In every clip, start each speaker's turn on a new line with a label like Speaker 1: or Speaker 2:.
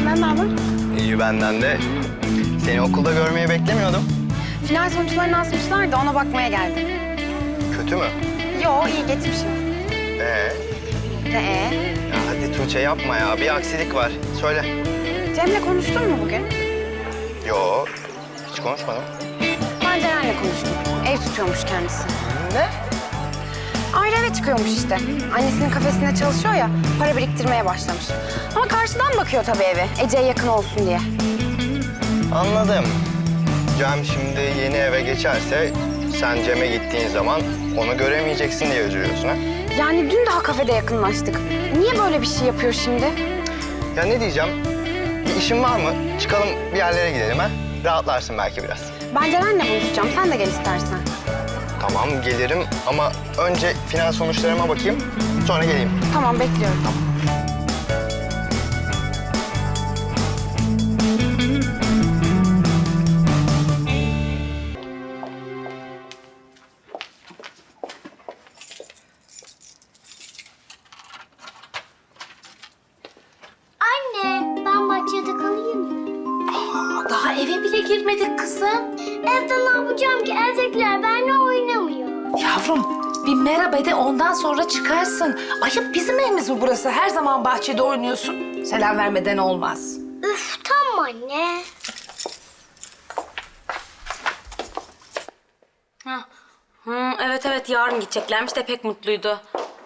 Speaker 1: Senden ne haber?
Speaker 2: İyi benden de. Seni okulda görmeyi beklemiyordum.
Speaker 1: Final sonuçlarını asmışlar da ona bakmaya geldim.
Speaker 2: Kötü mü?
Speaker 1: Yo, iyi geçmişim.
Speaker 2: Ya hadi Tuğçe yapma ya. Bir aksilik var. Söyle.
Speaker 1: Cem'le konuştun mu bugün?
Speaker 2: Yo, hiç konuşmadım.
Speaker 1: Ben Ceren'le konuştum. Ev tutuyormuş kendisi.
Speaker 2: Ne?
Speaker 1: Ayrı eve çıkıyormuş işte. Annesinin kafesinde çalışıyor ya, para biriktirmeye başlamış. Ama karşıdan bakıyor tabii eve, Ece'ye yakın olsun diye.
Speaker 2: Anladım. Cem şimdi yeni eve geçerse sen Cem'e gittiğin zaman onu göremeyeceksin diye üzülüyorsun ha?
Speaker 1: Yani dün daha kafede yakınlaştık. Niye böyle bir şey yapıyor şimdi?
Speaker 2: Ya ne diyeceğim? Bir işin var mı? Çıkalım bir yerlere gidelim ha? Rahatlarsın belki biraz.
Speaker 1: Ben Ceren'le buluşacağım, sen de gel istersen.
Speaker 2: Tamam gelirim ama önce final sonuçlarıma bakayım. Sonra geleyim.
Speaker 1: Tamam, bekliyorum.
Speaker 3: Anne, ben bahçede kalayım mı?
Speaker 4: Daha eve bile girmedik kızım.
Speaker 3: Evde ne yapacağım ki? Evdekiler benimle oynamıyor.
Speaker 4: Yavrum bir merhaba de ondan sonra çıkarsın. Ayıp bizim evimiz mi burası? Her zaman bahçede oynuyorsun. Selam vermeden olmaz.
Speaker 3: Üf, tamam anne.
Speaker 5: Evet yarın gideceklermiş de pek mutluydu.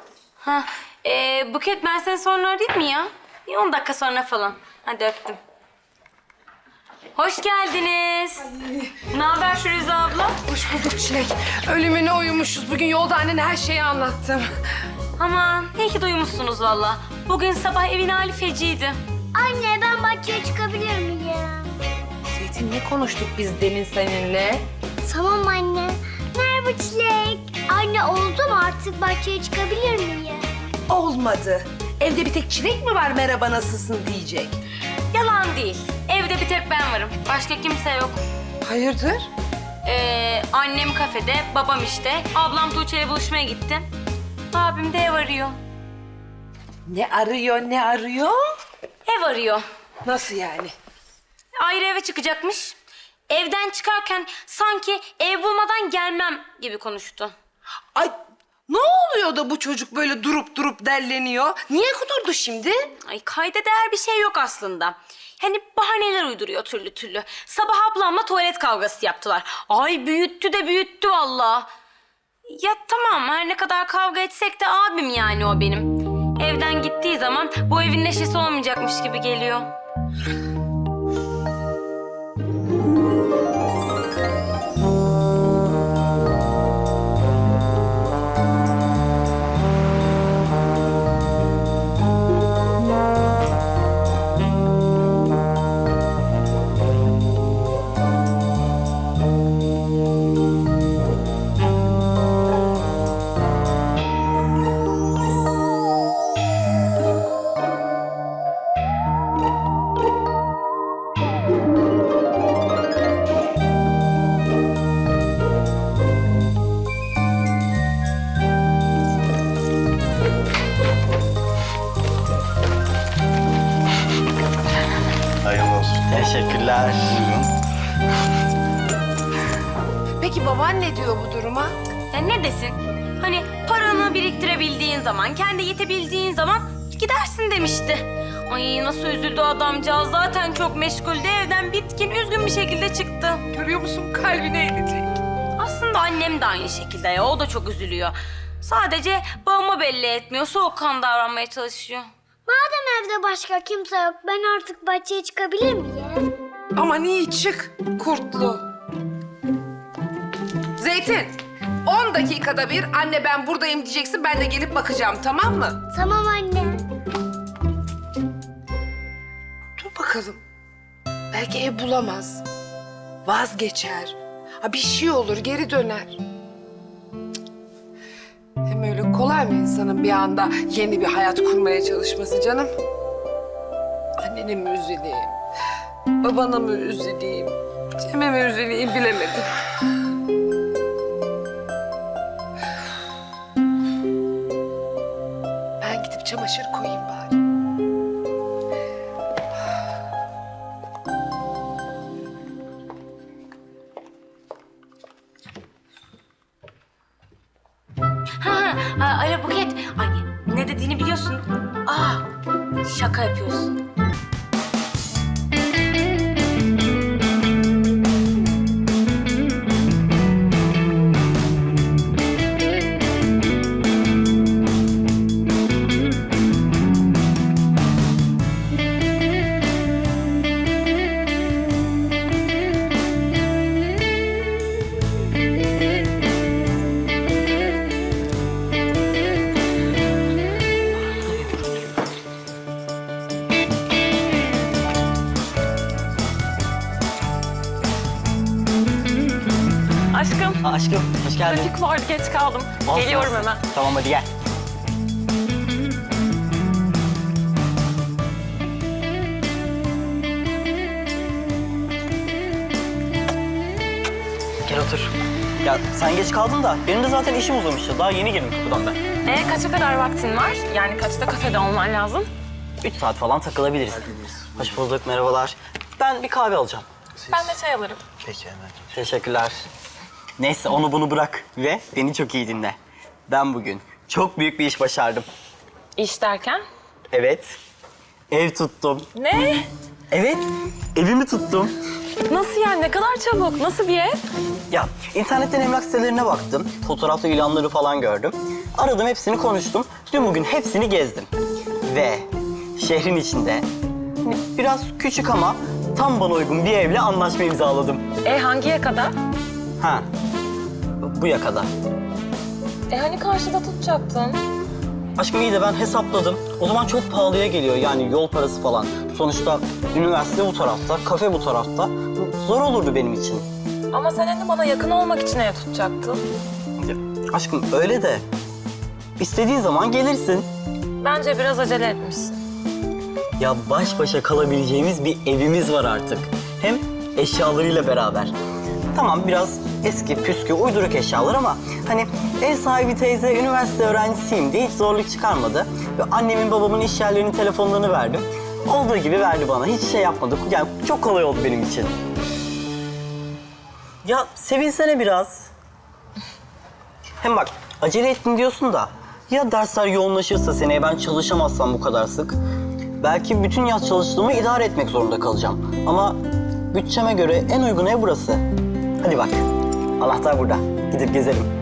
Speaker 5: Buket ben seni sonra arayayım mı ya? Bir 10 dakika sonra falan. Hadi öptüm. Hoş geldiniz. Ne haber Firuze abla?
Speaker 6: Hoş bulduk Çilek. Ölümüne uyumuşuz. Bugün yolda annene her şeyi anlattım.
Speaker 5: Aman iyi ki duymuşsunuz valla. Bugün sabah evin hali feciydi.
Speaker 3: Anne, ben bahçeye çıkabilir miyim?
Speaker 6: Zeytin ne konuştuk biz demin seninle?
Speaker 3: Tamam anne. Merhaba Çilek. Anne, oldu mu? Artık bahçeye çıkabilir miyim?
Speaker 6: Olmadı. Evde bir tek Çilek mi var merhaba nasılsın diyecek?
Speaker 5: Yalan değil. Evde bir tek ben varım. Başka kimse yok.
Speaker 6: Hayırdır?
Speaker 5: Annem kafede, babam işte. Ablam Tuğçe'yle buluşmaya gitti. Abim de ev arıyor.
Speaker 6: Ne arıyor ne arıyor?
Speaker 5: Ev arıyor.
Speaker 6: Nasıl yani?
Speaker 5: Ayrı eve çıkacakmış. Evden çıkarken sanki ev bulmadan gelmem gibi konuştu.
Speaker 6: Ay ne oluyor da bu çocuk böyle durup durup delleniyor? Niye kudurdu şimdi?
Speaker 5: Ay kayda değer bir şey yok aslında. Hani bahaneler uyduruyor türlü türlü. Sabah ablamla tuvalet kavgası yaptılar. Ay büyüttü de büyüttü vallahi. Ya tamam her ne kadar kavga etsek de abim yani o benim. Evden gittiği zaman bu evin neşesi olmayacakmış gibi geliyor.
Speaker 2: Hayırlı olsun. Teşekkürler.
Speaker 6: Peki baban ne diyor bu duruma?
Speaker 5: Ya ne desin? Hani paranı biriktirebildiğin zaman, kendi yetebildiğin zaman gidersin demişti. Ay nasıl üzüldü adamcağız. Zaten çok meşguldü. Evden bitkin, üzgün bir şekilde çıktı.
Speaker 6: Görüyor musun kalbine inecek.
Speaker 5: Aslında annem de aynı şekilde ya. O da çok üzülüyor. Sadece bağımı belli etmiyor. Soğukkanlı davranmaya çalışıyor.
Speaker 3: Madem evde başka kimse yok, ben artık bahçeye çıkabilir miyim?
Speaker 6: Aman iyi çık kurtlu. Zeytin 10 dakikada bir anne ben buradayım diyeceksin ben de gelip bakacağım tamam mı?
Speaker 3: Tamam anne.
Speaker 6: Dur bakalım. Belki ev bulamaz. Vazgeçer. Ha bir şey olur geri döner. Cık. Hem öyle kolay mı insanın bir anda yeni bir hayat kurmaya çalışması canım? Annene mi üzüleyim? Babana mı üzüleyim? Cem'e mi üzüleyim bilemedim. Ben gidip çamaşır koyayım bari.
Speaker 7: Aşkım.
Speaker 8: Aşkım hoş geldin.
Speaker 7: Trafik vardı, geç kaldım.
Speaker 8: Olsun,
Speaker 7: Geliyorum
Speaker 8: olsun.
Speaker 7: hemen.
Speaker 8: Tamam hadi gel. Gel otur. Ya sen geç kaldın da benim de zaten işim uzamıştı. Daha yeni girdim kapıdan ben.
Speaker 7: Kaça kadar vaktin var? Yani kaçta kafede olman lazım?
Speaker 8: 3 saat falan takılabiliriz. Hoş bulduk, merhabalar. Ben bir kahve alacağım.
Speaker 7: Ben de çay alırım.
Speaker 2: Peki hemen.
Speaker 8: Teşekkürler. Neyse onu bunu bırak ve beni çok iyi dinle. Ben bugün çok büyük bir iş başardım.
Speaker 7: İş derken?
Speaker 8: Evet, ev tuttum.
Speaker 7: Ne?
Speaker 8: Evet, evimi tuttum.
Speaker 7: Nasıl yani? Ne kadar çabuk? Nasıl bir ev?
Speaker 8: Ya internetten emlak sitelerine baktım. Fotoğrafta ilanları falan gördüm. Aradım hepsini konuştum. Dün bugün hepsini gezdim. Ve şehrin içinde biraz küçük ama tam bana uygun bir evle anlaşma imzaladım.
Speaker 7: Hangi yakada?
Speaker 8: Ha, bu yakada.
Speaker 7: Hani karşıda tutacaktın?
Speaker 8: Aşkım iyi de ben hesapladım. O zaman çok pahalıya geliyor yani yol parası falan. Sonuçta üniversite bu tarafta, kafe bu tarafta. Zor olurdu benim için.
Speaker 7: Ama sen hani bana yakın olmak için ev tutacaktın.
Speaker 8: Aşkım öyle de istediğin zaman gelirsin.
Speaker 7: Bence biraz acele etmişsin.
Speaker 8: Ya baş başa kalabileceğimiz bir evimiz var artık. Hem eşyalarıyla beraber. Tamam biraz eski, püskü, uyduruk eşyalar ama hani ev sahibi teyze üniversite öğrencisiyim diye hiç zorluk çıkarmadı. Ve annemin babamın iş yerlerinin telefonlarını verdim. Olduğu gibi verdi bana. Hiç şey yapmadık. Yani çok kolay oldu benim için. Ya sevinsene biraz. Hem bak acele ettin diyorsun da ya dersler yoğunlaşırsa seneye ben çalışamazsam bu kadar sık. Belki bütün yaz çalıştığımı idare etmek zorunda kalacağım. Ama bütçeme göre en uygun ev burası. Hadi bak, anahtar burada. Gidip gezelim.